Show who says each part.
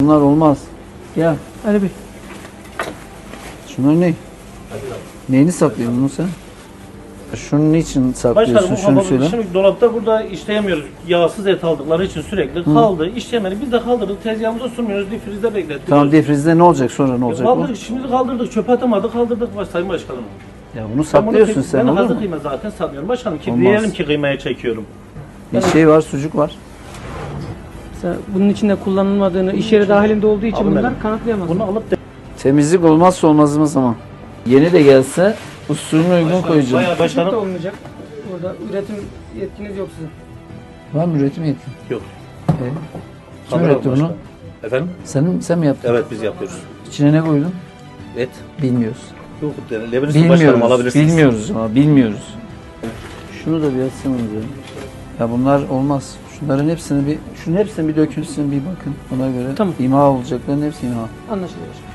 Speaker 1: bunlar olmaz. Gel.
Speaker 2: Ali Bey.
Speaker 1: Şunlar ne? Neyini saklıyorsun bunu sen? Şunun niçin saklıyorsun?
Speaker 3: Başkanım bu
Speaker 1: Şunu
Speaker 3: kapalı.
Speaker 1: söyle.
Speaker 3: Şimdi dolapta burada işleyemiyoruz. Yağsız et aldıkları için sürekli kaldı. İşleyemedik. Biz de kaldırdık. Tezgahımıza sunmuyoruz. Difrizde beklettik.
Speaker 1: Tamam defrizde ne olacak sonra ne olacak bu?
Speaker 3: Kaldırdık. Şimdi kaldırdık. Çöpe atamadık. Kaldırdık Sayın Başkanım.
Speaker 1: Ya bunu saklıyorsun sen
Speaker 3: Ben
Speaker 1: olur
Speaker 3: hazır
Speaker 1: mu?
Speaker 3: kıyma zaten satmıyorum. Başkanım ki
Speaker 1: Olmaz.
Speaker 3: diyelim ki kıymaya çekiyorum.
Speaker 1: Bir şey var, sucuk var.
Speaker 2: Mesela bunun içinde kullanılmadığını, iş yeri dahilinde olduğu için
Speaker 3: Abi
Speaker 2: bunlar
Speaker 3: benim.
Speaker 2: kanıtlayamaz.
Speaker 3: Bunu alıp da
Speaker 1: Temizlik olmazsa olmazımız ama. Yeni de gelse usulüne uygun koyacağım.
Speaker 3: bayağı
Speaker 2: Başlık da
Speaker 3: başkanım.
Speaker 2: olmayacak. Burada üretim yetkiniz yok sizin.
Speaker 1: Var mı üretim yetkin?
Speaker 3: Yok.
Speaker 1: Kim
Speaker 3: Kamera
Speaker 1: üretti bunu?
Speaker 3: başkanım. Efendim?
Speaker 1: Sen mi yaptın?
Speaker 3: Evet biz yapıyoruz.
Speaker 1: İçine ne koydun?
Speaker 3: Et.
Speaker 1: Bilmiyoruz.
Speaker 3: Yok. Lebanese başkanım alabilirsiniz.
Speaker 1: Bilmiyoruz ama bilmiyoruz. Şunu da bir açsanız ya. Ya bunlar olmaz. Şunun hepsini bir dökülsün bir bakın. Ona göre
Speaker 2: Tamam.
Speaker 1: imha olacakların hepsi imha.
Speaker 2: Anlaşılıyor.